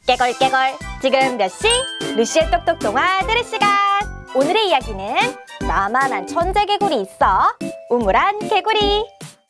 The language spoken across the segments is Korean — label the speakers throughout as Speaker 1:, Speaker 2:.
Speaker 1: 깨걸깨걸 지금 몇 시? 루시의 똑똑 동화 들을 시간. 오늘의 이야기는 나만한 천재 개구리 있어. 우물안 개구리.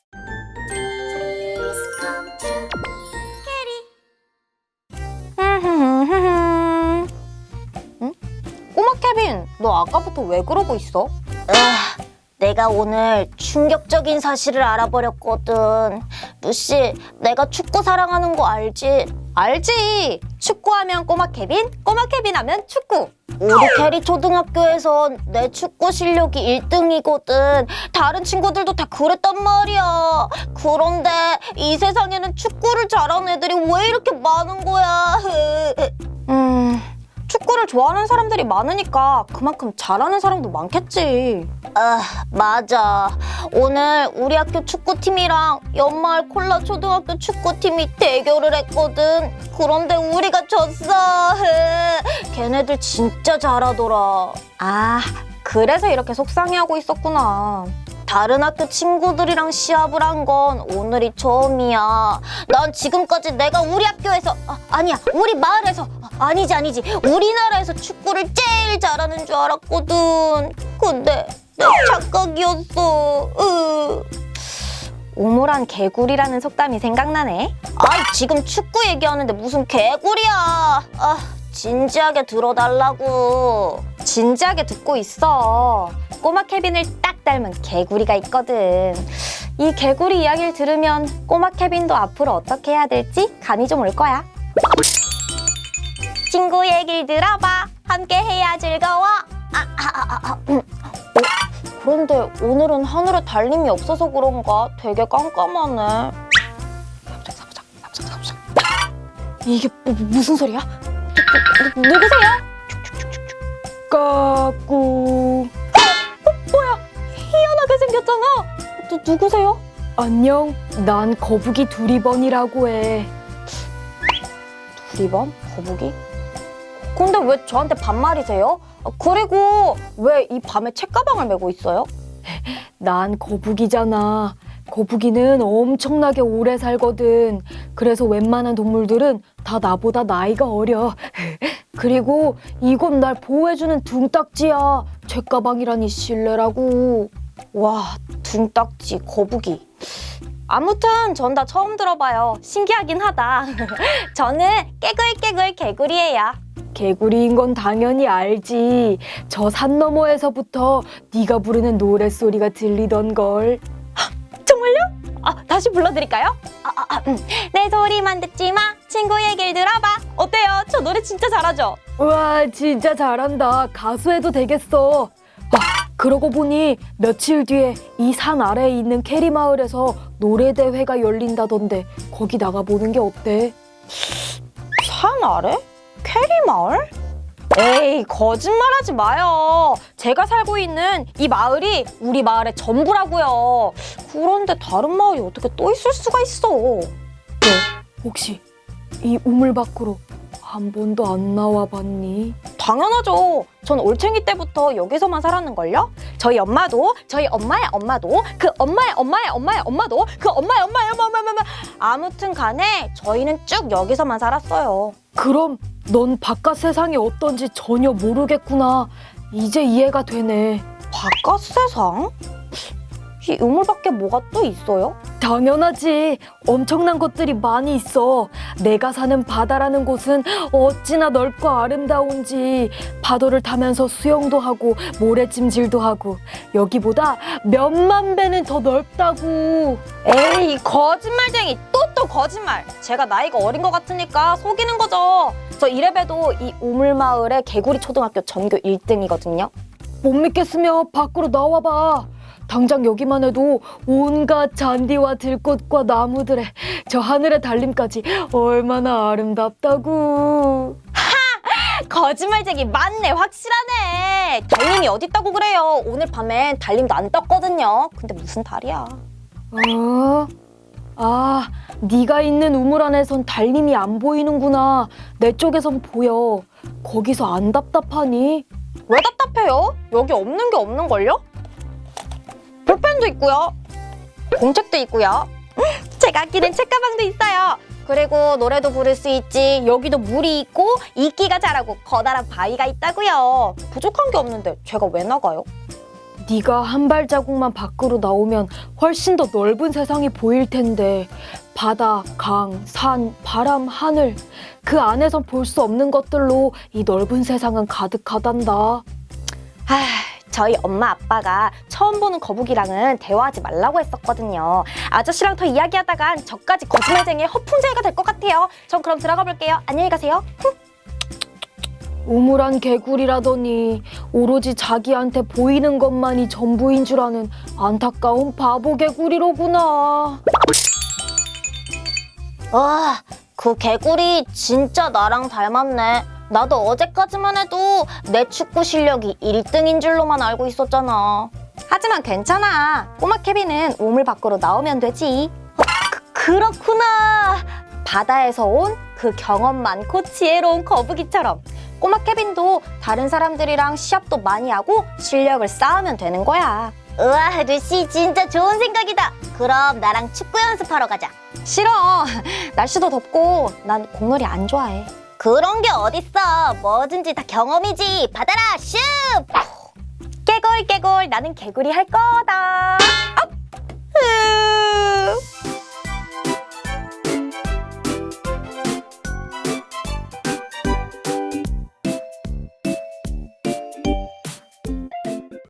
Speaker 1: 응? 꼬마 케빈, 너 아까부터 왜 그러고 있어?
Speaker 2: 내가 오늘 충격적인 사실을 알아버렸거든. 루시, 내가 축구 사랑하는 거 알지?
Speaker 1: 알지. 축구하면 꼬마 케빈, 꼬마 케빈 하면 축구.
Speaker 2: 우리 캐리 초등학교에선 내 축구 실력이 1등이거든. 다른 친구들도 다 그랬단 말이야. 그런데 이 세상에는 축구를 잘하는 애들이 왜 이렇게 많은 거야?
Speaker 1: 축구를 좋아하는 사람들이 많으니까 그만큼 잘하는 사람도 많겠지.
Speaker 2: 맞아. 오늘 우리 학교 축구팀이랑 연마을 콜라 초등학교 축구팀이 대결을 했거든. 그런데 우리가 졌어. 걔네들 진짜 잘하더라.
Speaker 1: 그래서 이렇게 속상해하고 있었구나.
Speaker 2: 다른 학교 친구들이랑 시합을 한 건 오늘이 처음이야. 난 지금까지 내가 우리 학교에서 아니야, 우리 마을에서 아니지 우리나라에서 축구를 제일 잘하는 줄 알았거든. 근데 내 착각이었어.
Speaker 1: 우물안 개구리라는 속담이 생각나네.
Speaker 2: 지금 축구 얘기하는데 무슨 개구리야. 진지하게 들어달라고.
Speaker 1: 진지하게 듣고 있어. 꼬마 케빈을 딱 닮은 개구리가 있거든. 이 개구리 이야기를 들으면 꼬마 케빈도 앞으로 어떻게 해야 될지 감이 좀 올 거야. 친구 얘기를 들어봐. 함께 해야 즐거워.
Speaker 2: 그런데 오늘은 하늘에 달림이 없어서 그런가 되게 깜깜하네.
Speaker 1: 이게 무슨 소리야? 누구세요? 까꿍. 뭐야? 희한하게 생겼잖아. 누구세요?
Speaker 3: 안녕, 난 거북이 두리번이라고 해.
Speaker 1: 두리번? 거북이? 근데 왜 저한테 반말이세요? 그리고 왜 이 밤에 책가방을 메고 있어요?
Speaker 3: 난 거북이잖아. 거북이는 엄청나게 오래 살거든. 그래서 웬만한 동물들은 다 나보다 나이가 어려. 그리고 이건 날 보호해주는 둥딱지야. 책가방이라니 실례라고.
Speaker 1: 와, 둥딱지, 거북이. 아무튼 전 다 처음 들어봐요. 신기하긴 하다. 저는 깨글깨글 개구리예요.
Speaker 3: 개구리인 건 당연히 알지. 저 산 너머에서부터 네가 부르는 노랫소리가 들리던걸.
Speaker 1: 정말요? 다시 불러드릴까요? 내 소리만 듣지 마. 친구 얘기를 들어봐. 어때요? 저 노래 진짜 잘하죠?
Speaker 3: 우와, 진짜 잘한다. 가수 해도 되겠어. 그러고 보니 며칠 뒤에 이 산 아래에 있는 캐리 마을에서 노래대회가 열린다던데 거기 나가보는 게 어때?
Speaker 1: 산 아래? 캐리 마을? 에이, 거짓말하지 마요. 제가 살고 있는 이 마을이 우리 마을의 전부라고요. 그런데 다른 마을이 어떻게 또 있을 수가 있어?
Speaker 3: 혹시 이 우물 밖으로 한 번도 안 나와봤니?
Speaker 1: 당연하죠. 전 올챙이 때부터 여기서만 살았는걸요? 저희 엄마도, 저희 엄마의 엄마도, 그 엄마의 엄마의 엄마의 엄마도, 그 엄마의 엄마의 엄마. 아무튼 간에 저희는 쭉 여기서만 살았어요.
Speaker 3: 그럼 넌 바깥 세상이 어떤지 전혀 모르겠구나. 이제 이해가 되네.
Speaker 1: 바깥 세상? 이 우물 밖에 뭐가 또 있어요?
Speaker 3: 당연하지. 엄청난 것들이 많이 있어. 내가 사는 바다라는 곳은 어찌나 넓고 아름다운지. 파도를 타면서 수영도 하고 모래찜질도 하고 여기보다 몇만 배는 더 넓다고.
Speaker 1: 에이, 거짓말쟁이. 또 거짓말. 제가 나이가 어린 것 같으니까 속이는 거죠. 저 이래봬도 이 우물마을의 개구리 초등학교 전교 1등이거든요.
Speaker 3: 못 믿겠으면 밖으로 나와봐. 당장 여기만 해도 온갖 잔디와 들꽃과 나무들의 저 하늘의 달림까지 얼마나 아름답다고.
Speaker 1: 거짓말쟁이 맞네. 확실하네. 달림이 어딨다고 그래요. 오늘 밤엔 달림도 안 떴거든요. 근데 무슨 달이야.
Speaker 3: 네가 있는 우물 안에선 달림이 안 보이는구나. 내 쪽에선 보여. 거기서 안 답답하니?
Speaker 1: 왜 답답해요? 여기 없는 게 없는걸요? 볼펜도 있고요. 공책도 있고요. 제가 아끼는 책가방도 있어요. 그리고 노래도 부를 수 있지. 여기도 물이 있고 이끼가 자라고 커다란 바위가 있다고요. 부족한 게 없는데 제가 왜 나가요?
Speaker 3: 네가 한 발자국만 밖으로 나오면 훨씬 더 넓은 세상이 보일 텐데 바다, 강, 산, 바람, 하늘 그 안에선 볼 수 없는 것들로 이 넓은 세상은 가득하단다.
Speaker 1: 저희 엄마 아빠가 처음 보는 거북이랑은 대화하지 말라고 했었거든요. 아저씨랑 더 이야기하다간 저까지 거짓말쟁이의 허풍쟁이가 될 것 같아요. 전 그럼 들어가 볼게요. 안녕히 가세요.
Speaker 3: 우물안 개구리라더니 오로지 자기한테 보이는 것만이 전부인 줄 아는 안타까운 바보 개구리로구나.
Speaker 2: 와, 그 개구리 진짜 나랑 닮았네. 나도 어제까지만 해도 내 축구 실력이 1등인 줄로만 알고 있었잖아.
Speaker 1: 하지만 괜찮아. 꼬마 케빈은 우물 밖으로 나오면 되지.
Speaker 2: 그렇구나.
Speaker 1: 바다에서 온 그 경험 많고 지혜로운 거북이처럼 꼬마 케빈도 다른 사람들이랑 시합도 많이 하고 실력을 쌓으면 되는 거야.
Speaker 2: 우와, 루시 진짜 좋은 생각이다. 그럼 나랑 축구 연습하러 가자.
Speaker 1: 싫어. 날씨도 덥고 난 공놀이 안 좋아해.
Speaker 2: 그런 게 어딨어. 뭐든지 다 경험이지. 받아라, 슛!
Speaker 1: 깨골 깨골 나는 개구리 할 거다. 업!